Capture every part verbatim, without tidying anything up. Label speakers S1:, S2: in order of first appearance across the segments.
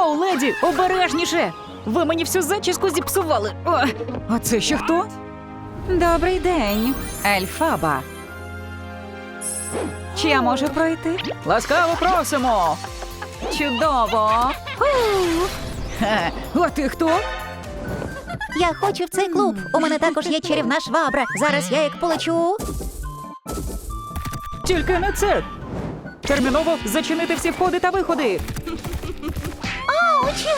S1: Оу, леді, обережніше! Ви мені всю зачіску зіпсували. О, а це ще хто? Добрий день, Ельфаба. Чи я можу пройти? Ласкаво просимо! Чудово! Хе, а ти хто?
S2: Я хочу в цей клуб. У мене також є чарівна швабра. Зараз я як полечу.
S1: Тільки не це! Терміново зачинити всі входи та виходи!
S2: Ауч!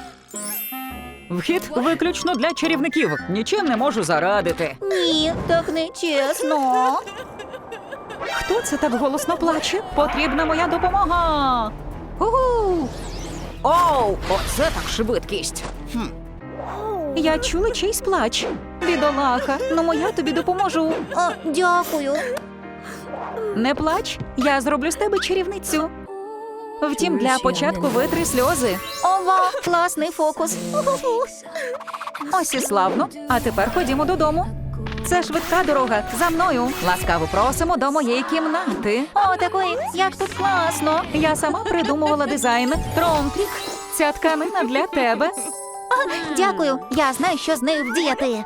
S1: Вхід виключно для чарівників. Нічим не можу зарадити.
S2: Ні, так не чесно.
S1: Хто це так голосно плаче? Потрібна моя допомога. Угу. Оу, оце так швидкість. Хм. Я чула чийсь плач. Бідолаха, ну моя тобі допоможу.
S2: О, дякую.
S1: Не плач, я зроблю з тебе чарівницю. Втім, для початку витри сльози.
S2: Ова, класний фокус.
S1: Ось і славно. А тепер ходімо додому. Це швидка дорога. За мною. Ласкаво просимо до моєї кімнати.
S2: О, такої, як тут класно.
S1: Я сама придумувала дизайн. Тромтрік. Ця тканина для тебе.
S2: Дякую, я знаю, що з нею вдіяти.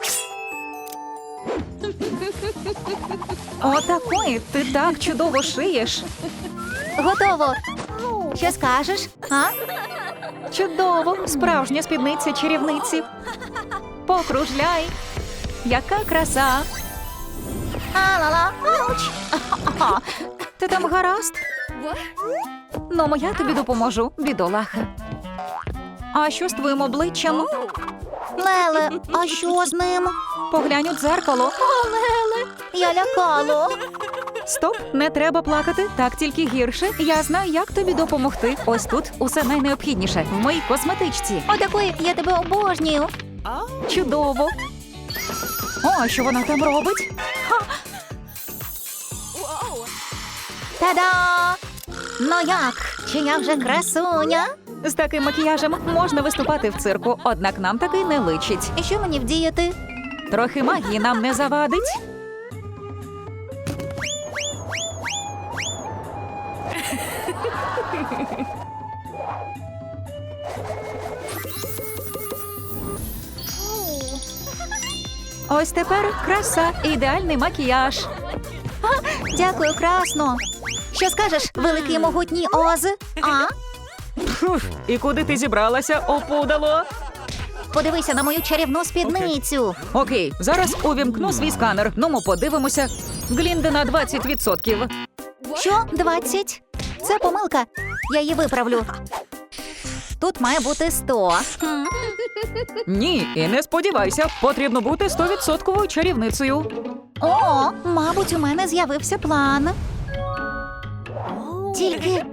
S1: Отакої, ти так чудово шиєш.
S2: Готово. Що скажеш? А?
S1: Чудово, справжня спідниця чарівниці. Покружляй. Яка краса.
S2: А-ла-ла, ауч.
S1: Ти там гаразд? Ну, моя тобі допоможу, бідолаха. А що з твоїм обличчям?
S2: Леле, а що з ним?
S1: Поглянь у дзеркало.
S2: О, Леле, я лякало.
S1: Стоп, не треба плакати, так тільки гірше. Я знаю, як тобі допомогти. Ось тут усе найнеобхідніше в моїй косметичці.
S2: О, такої, я тебе обожнюю.
S1: Чудово. О, а що вона там робить? Ха!
S2: Та-да! Ну як? Чи я вже красуня?
S1: З таким макіяжем можна виступати в цирку, однак нам такий не личить.
S2: І що мені вдіяти?
S1: Трохи магії нам не завадить. Ось тепер краса, ідеальний макіяж.
S2: Дякую, красно. Що скажеш, великий могутній Оз? А?
S1: Фух, і куди ти зібралася, опудало?
S2: Подивися на мою чарівну спідницю.
S1: Окей, зараз увімкну свій сканер. Ну, ми подивимося. Глінда на двадцять відсотків.
S2: Що? двадцять? Це помилка. Я її виправлю. Тут має бути сто. Хм.
S1: Ні, і не сподівайся, потрібно бути стовідсотковою чарівницею.
S2: О, мабуть, у мене з'явився план. Тільки...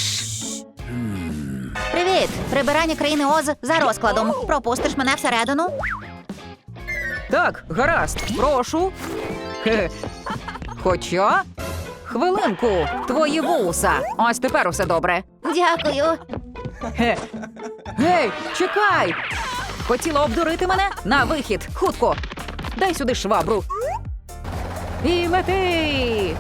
S2: Привіт! Прибирання країни Оз за розкладом. Пропустиш мене всередину?
S1: Так, гаразд, прошу. Хе-хе. Хоча... Хвилинку, твої вуса. Ось тепер усе добре.
S2: Дякую.
S1: Хе. Гей, чекай! Хотіла обдурити мене? На вихід, хутко. Дай сюди швабру. І лети!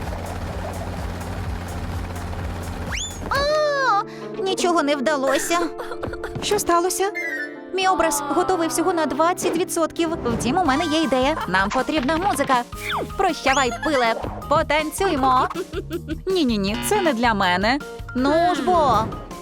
S2: А, нічого не вдалося.
S1: Що сталося?
S2: Мій образ готовий всього на двадцять відсотків. Втім, у мене є ідея. Нам потрібна музика. Прощавай, пиле. Потанцюймо.
S1: Ні-ні-ні, це не для мене.
S2: Ну ж бо.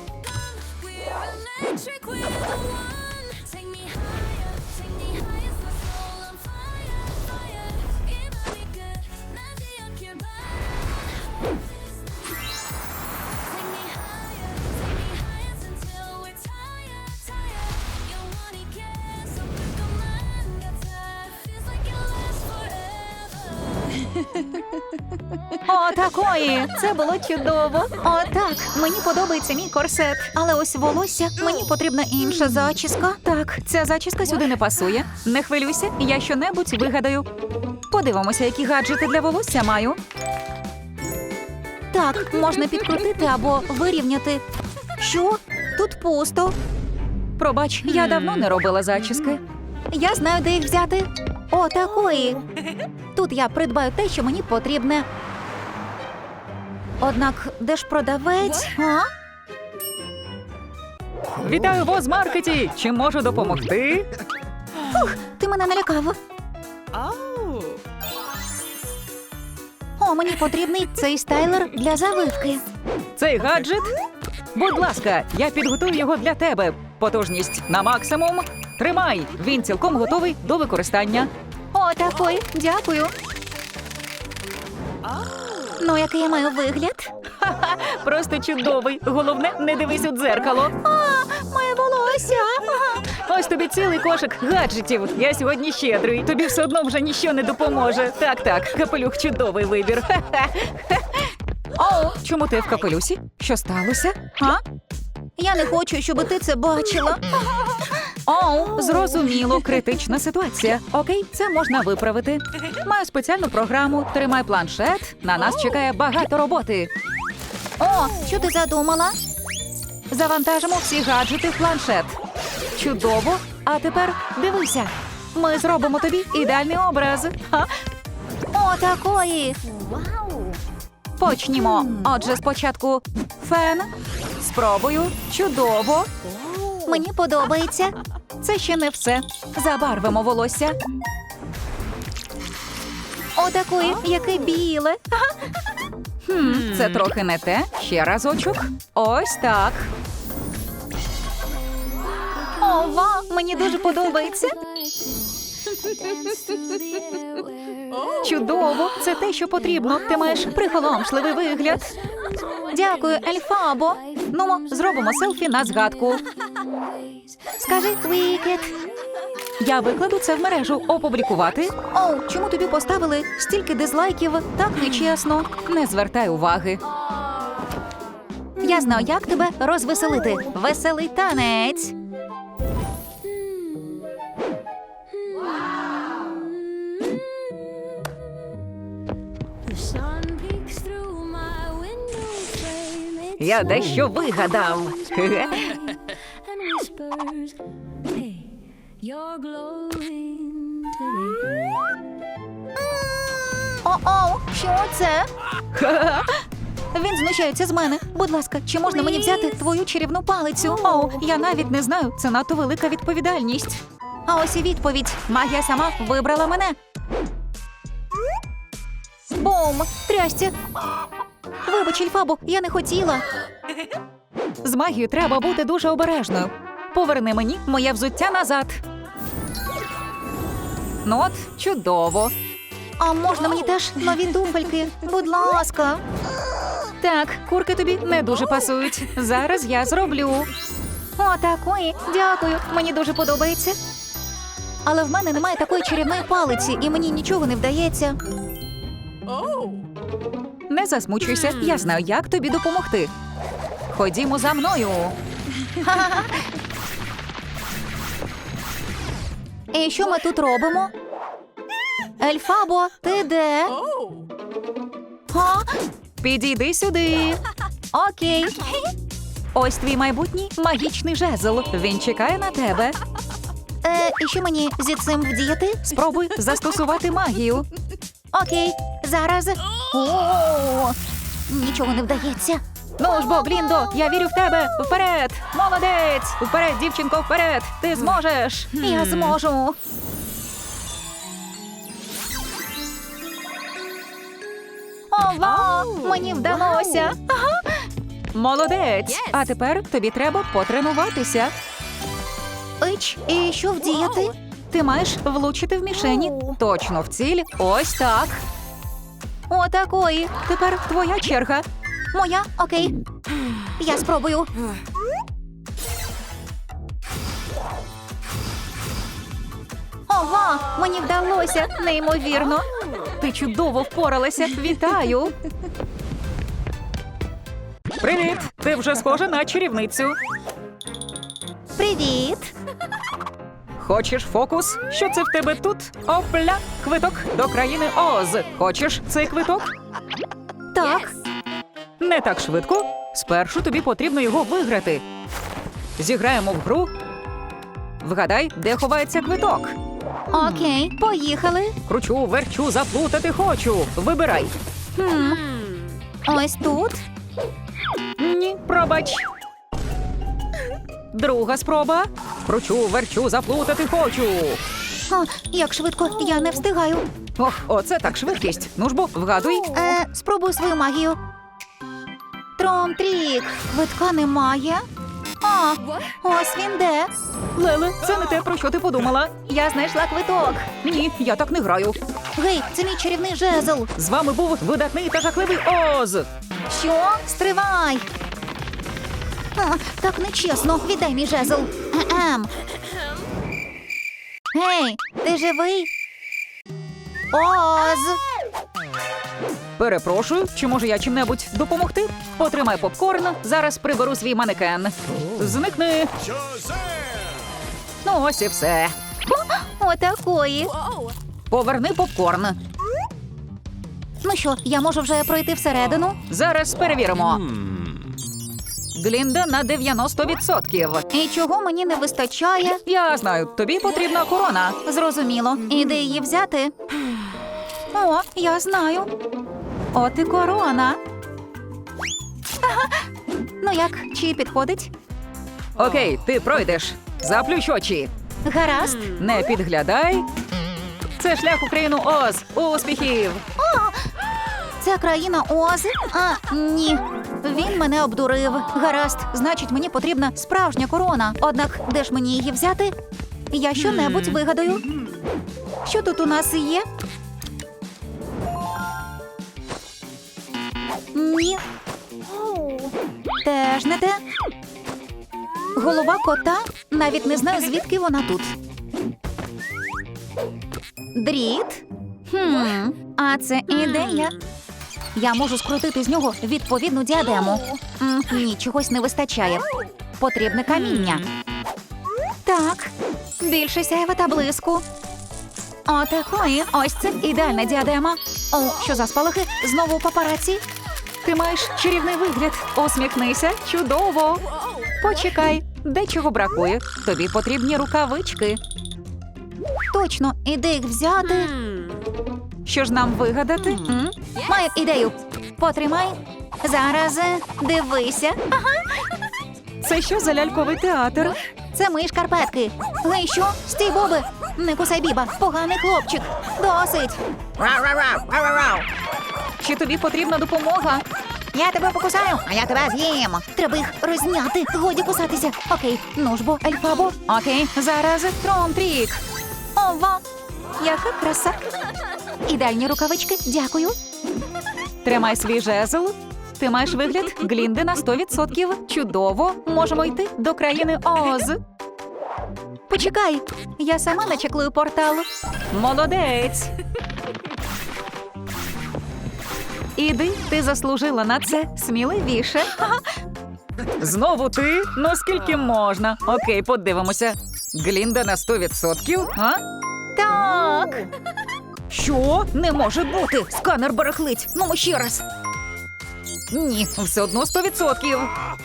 S1: О, такої! Це було чудово.
S2: О, так, мені подобається мій корсет. Але ось волосся, мені потрібна інша зачіска.
S1: Так, ця зачіска сюди не пасує. Не хвилюйся, я щонебудь вигадаю. Подивимося, які гаджети для волосся маю.
S2: Так, можна підкрутити або вирівняти. Що? Тут пусто.
S1: Пробач, я давно не робила зачіски.
S2: Я знаю, де їх взяти. О, такої. Тут я придбаю те, що мені потрібне. Однак, де ж продавець? А?
S1: Вітаю в Озмаркеті! Чим можу допомогти?
S2: Ти мене налякав. О, мені потрібний цей стайлер для завивки.
S1: Цей гаджет? Будь ласка, я підготую його для тебе. Потужність на максимум. Тримай! Він цілком готовий до використання.
S2: О, такий, дякую. Ну, який я маю вигляд?
S1: Ха-ха, просто чудовий. Головне, не дивись у дзеркало.
S2: А, моє волосся.
S1: Ось тобі цілий кошик гаджетів. Я сьогодні щедрий. Тобі все одно вже ніщо не допоможе. Так, так, капелюх чудовий вибір. Ха-ха. О, чому ти в капелюсі? Що сталося? А?
S2: Я не хочу, щоб ти це бачила.
S1: Оу, зрозуміло, критична ситуація. Окей, це можна виправити. Маю спеціальну програму. Тримай планшет. На нас чекає багато роботи.
S2: О, що ти задумала?
S1: Завантажимо всі гаджети в планшет. Чудово. А тепер дивися. Ми зробимо тобі ідеальний образ. Ха.
S2: О, такої.
S1: Почнімо. Отже, спочатку фен. Спробую. Чудово.
S2: Мені подобається.
S1: Це ще не все. Забарвимо волосся.
S2: О, такої, яке біле.
S1: Хм, це трохи не те. Ще разочок. Ось так.
S2: Ова, мені дуже подобається.
S1: Чудово. Це те, що потрібно. Ти маєш приголомшливий вигляд.
S2: Дякую, Ельфабо.
S1: Ну, зробимо селфі на згадку.
S2: Скажи, Вікет.
S1: Я викладу це в мережу. Опублікувати.
S2: Оу, чому тобі поставили стільки дизлайків?
S1: Так нечесно. Не звертай уваги.
S2: Я знаю, як тебе розвеселити. Веселий танець.
S1: Я дещо вигадав. Хе-хе.
S2: О-оу, що це?
S1: Ха-ха.
S2: Він знущається з мене. Будь ласка, чи можна мені взяти твою чарівну палицю?
S1: Оу, я навіть не знаю. Це надто велика відповідальність.
S2: А ось і відповідь. Магія сама вибрала мене. Бум! Трясся! Вибач, Ельфабо, я не хотіла.
S1: З магією треба бути дуже обережною. Поверни мені моє взуття назад. Ну от, чудово.
S2: А можна мені теж нові туфельки? Будь ласка.
S1: Так, курки тобі не дуже пасують. Зараз я зроблю.
S2: О, такої. Дякую. Мені дуже подобається. Але в мене немає такої чарівної палиці, і мені нічого не вдається.
S1: Не засмучуйся, я знаю, як тобі допомогти. Ходімо за мною.
S2: І що ми тут робимо? Ельфабо, ти де? А?
S1: Підійди сюди.
S2: Окей.
S1: Ось твій майбутній магічний жезл. Він чекає на тебе.
S2: Е, і що мені зі цим вдіяти?
S1: Спробуй застосувати магію.
S2: Окей, зараз. О, нічого не вдається.
S1: Ну ж бо, Гліндо, я вірю в тебе. Вперед! Молодець! Вперед, дівчинко, вперед! Ти зможеш!
S2: Я зможу. Ова, мені вдалося.
S1: Молодець! А тепер тобі треба потренуватися.
S2: Ич, і що вдіяти?
S1: Ти маєш влучити в мішені. Точно в ціль. Ось так.
S2: О, такої.
S1: Тепер твоя черга.
S2: Моя? Окей. Я спробую. Ова, мені вдалося. Неймовірно.
S1: Ти чудово впоралася. Вітаю. Привіт! Ти вже схожа на чарівницю.
S2: Привіт.
S1: Хочеш фокус? Що це в тебе тут? Опля! Квиток до країни Оз. Хочеш цей квиток?
S2: Так.
S1: Не так швидко. Спершу тобі потрібно його виграти. Зіграємо в гру. Вгадай, де ховається квиток.
S2: Окей, поїхали.
S1: Кручу, верчу, заплутати хочу. Вибирай.
S2: Хм. Ось тут.
S1: Ні, пробач. Друга спроба. Кручу, верчу, заплутати хочу.
S2: А, як швидко, я не встигаю.
S1: Ох, оце так швидкість. Ну ж бо, вгадуй.
S2: Е, спробую свою магію. Тром-трік. Квитка немає. А, ось він де.
S1: Леле, це не те, про що ти подумала.
S2: Я знайшла квиток.
S1: Ні, я так не граю.
S2: Гей, це мій чарівний жезл.
S1: З вами був видатний та жахливий Оз.
S2: Що? Стривай. А, так нечесно. Віддай мій жезл. Ем. Гей, ти живий? Оз.
S1: Перепрошую, чи може я чим-небудь допомогти? Отримай попкорн, зараз приберу свій манекен. Зникни. Ну ось і все.
S2: Отакої.
S1: Поверни попкорн.
S2: Ну що, я можу вже пройти всередину?
S1: Зараз перевіримо. Глінда на дев'яносто відсотків.
S2: І чого мені не вистачає?
S1: Я знаю, тобі потрібна корона.
S2: Зрозуміло. І де її взяти? О, я знаю. От і корона. Ага. Ну як, чи підходить?
S1: Окей, ти пройдеш. Заплющ очі.
S2: Гаразд.
S1: Не підглядай. Це шлях у країну Оз. Успіхів!
S2: Це країна Оз? А, ні. Він мене обдурив. Гаразд, значить, мені потрібна справжня корона. Однак, де ж мені її взяти? Я що-небудь вигадаю. Що тут у нас є? Ні. Теж не те. Голова кота? Навіть не знаю, звідки вона тут. Дріт? Хм, а це ідея. Я можу скрутити з нього відповідну діадему. М, ні, чогось не вистачає. Потрібне каміння. Так, більше сяйва та блиску. Отакої, ось це ідеальна діадема. О, що за спалахи? Знову папараці.
S1: Ти маєш чарівний вигляд. Усміхнися. Чудово. Почекай, дечого бракує. Тобі потрібні рукавички.
S2: Точно, і де їх взяти?
S1: Що ж нам вигадати? М?
S2: Маю ідею. Потримай. Зараз е, дивися.
S1: Це що за ляльковий театр?
S2: Це мої шкарпетки. Гей, що? Стій, Боби! Не кусай Біба, поганий хлопчик. Досить.
S1: Чи тобі потрібна допомога?
S2: Я тебе покусаю, а я тебе з'їм. Треба їх розняти. Годі кусатися. Окей, ну ж бо, Ельфабо.
S1: Окей, зараз тром-трік.
S2: Ова. Яка краса. Ідеальні рукавички, дякую.
S1: Тримай свій жезл. Ти маєш вигляд Глінди на сто відсотків. Чудово. Можемо йти до країни Оз.
S2: Почекай, я сама начеклую портал.
S1: Молодець. Іди, ти заслужила на це сміливіше. Ага. Знову ти? Ну скільки можна? Окей, подивимося. Глінда на сто відсотків, а?
S2: Так.
S1: Що? Не може бути! Сканер барахлить! Ну, ще раз! Ні, все одно сто відсотків!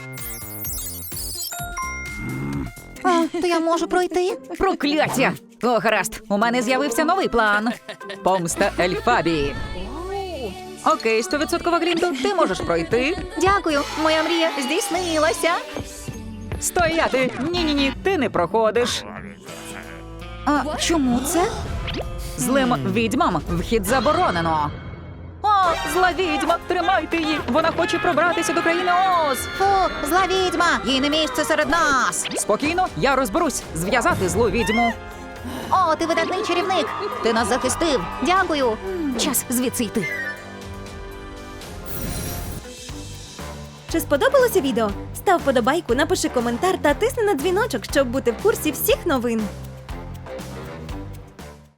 S2: А, то я можу пройти?
S1: Прокляття! О, гаразд, у мене з'явився новий план. Помста Ельфабії. Окей, сто відсотків Глінду, ти можеш пройти.
S2: Дякую, моя мрія здійснилася.
S1: Стояти! Ні-ні-ні, ти не проходиш.
S2: А чому це?
S1: Злим відьмам вхід заборонено. О, зла відьма, тримайте її! Вона хоче пробратися до країни Оз!
S2: Фу, зла відьма, їй не місце серед нас.
S1: Спокійно, я розберусь зв'язати злу відьму.
S2: О, ти видатний чарівник. Ти нас захистив. Дякую.
S1: Час звідси йти.
S3: Чи сподобалося відео? Став вподобайку, напиши коментар та тисни на дзвіночок, щоб бути в курсі всіх новин.